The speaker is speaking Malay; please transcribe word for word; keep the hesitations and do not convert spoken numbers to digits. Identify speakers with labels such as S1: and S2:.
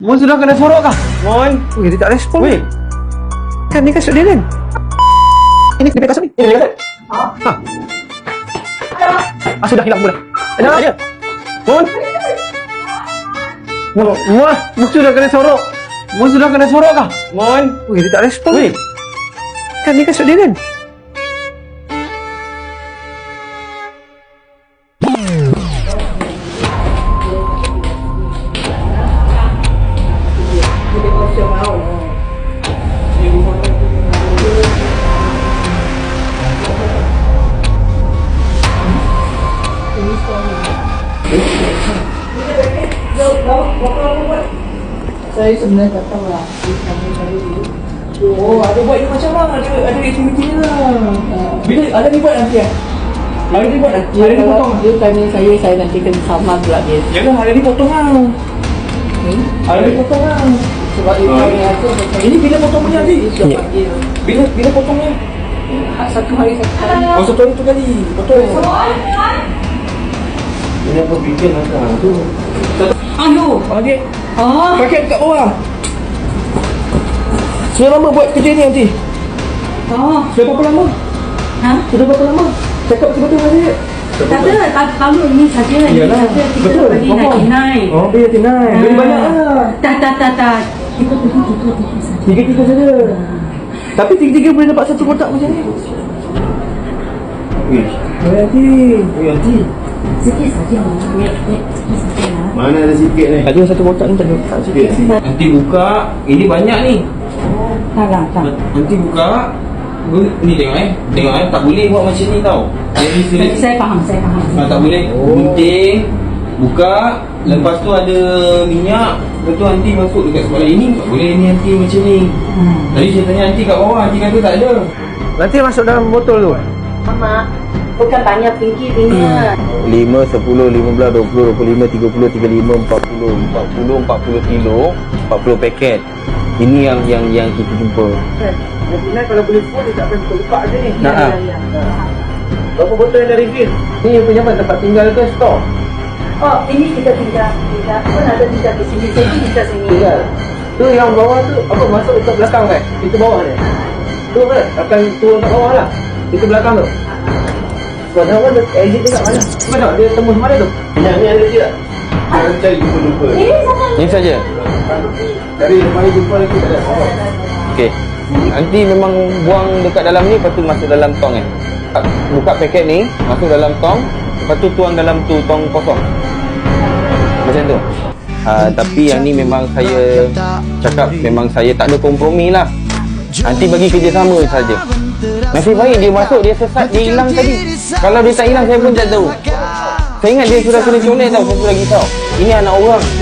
S1: Mon sudah kena sorok kah? Mon.
S2: Weh, dia tak respon.
S1: Weh.
S2: Kan ni kasut dia kan? Ini dia kasut ni.
S1: Ini dia kasut.
S2: Ha. Ah, sudah hilang sudah.
S1: Ada ada. Mon. Mon, Mon, Mon sudah kena sorok. Mon sudah kena sorok kah? Mon.
S2: Weh, dia tak respon.
S1: Weh.
S2: Kan ni kasut dia kan?
S3: Saya sebenarnya tak tahu lah. Oh, ada buat macam mana? Ada ada aktiviti lah. Bila ada ni buat nanti ya? Hari ni buat nanti. Hari ni potong. Dia tanya saya, saya nanti kena sama pula dia. Jangan hari ni potong lah. Hmm? Hari ni potong lah. Sebab dia tanya aku. Ini bila potong punya nanti? Bila bila potongnya? Satu hari satu kali. Oh, satu hari tu kali. Potong.
S1: Ini apa bikin lah tu?
S3: Aduh, okey. Ah, pakai kat bawah. Sudah lama buat kerja ni nanti?
S4: Oh,
S3: Sudah berapa lama?
S4: ha?
S3: Sudah berapa lama? Cakap betul-betul saja.
S4: Tak ada, tak baru ini saja. Ini
S3: Iyalah.
S4: saja kita
S3: Betul,
S4: bagi
S3: faham.
S4: ninety nine.
S3: Oh, dia tinai. Beli banyak lah.
S4: Tak, tak, tak, tak. Kita pergi tiga-tiga saja.
S3: Tiga-tiga saja. Tapi tiga-tiga boleh dapat satu kotak macam ni.
S1: Weh.
S3: Oh, nanti.
S1: Weh, nanti.
S4: Sikit saja. Wait, wait, sikit saja lah.
S1: Mana ada sikit ni?
S3: Ada satu kotak ni tak ada. Tak sikit.
S1: Nanti buka. Ini banyak ni.
S4: Tak lah, tak.
S1: Nanti buka. Ni tengok eh. Tengok eh. Tak boleh buat macam ni tau. Jadi
S4: Saya, saya faham, saya faham.
S1: Ah, tak boleh.
S3: Oh.
S1: Gunting, buka, lepas tu ada minyak, lepas tu nanti masuk dekat sekolah. Ini tak boleh ni nanti macam ni.
S4: Hmm.
S1: Tadi saya tanya nanti kat bawah, nanti kata tak ada.
S2: Nanti masuk dalam botol tu.
S4: Mama, bukan banyak tinggi dia.
S5: lima, sepuluh, lima belas, dua puluh, dua puluh lima, tiga puluh, tiga puluh lima, empat puluh, empat puluh, empat puluh kilo, empat puluh paket. Ini yang yang yang kita jumpa.
S2: Nanti kalau boleh full dia tak akan buka je ni.
S5: Nah, ah.
S2: Berapa botol yang dah refill? Ni yang punya apa? Tempat tinggal ke store?
S4: Oh, ini kita tinggal. Tinggal. Pun ada tinggal di sini. Sini kita sini.
S2: Tinggal. Tu yang bawah tu apa masuk dekat belakang kan? Itu bawah dia. Tu kan akan turun kat bawah lah. Itu belakang tu. Sebab dia kan exit dekat mana? Cuba tengok dia tembus mana tu?
S1: Minyak ni ada lagi tak? Jangan cari jumpa-jumpa.
S4: Ini sama.
S5: Ini saja.
S1: Dari depan ni jumpa lagi tak ada.
S5: Okey. Nanti memang buang dekat dalam ni, lepas tu masuk dalam tong kan. Buka paket ni, masuk dalam tong, lepas tu tuang dalam tu tong kosong. Macam tu. Uh, tapi yang ni memang saya cakap memang saya tak ada kompromi lah. Nanti bagi kerjasama saja. Nasib baik dia masuk, dia sesat, dia hilang tadi. Kalau dia tak hilang, saya pun tak tahu. Saya ingat dia sudah kena colek tau, saya sudah risau. Ini anak orang.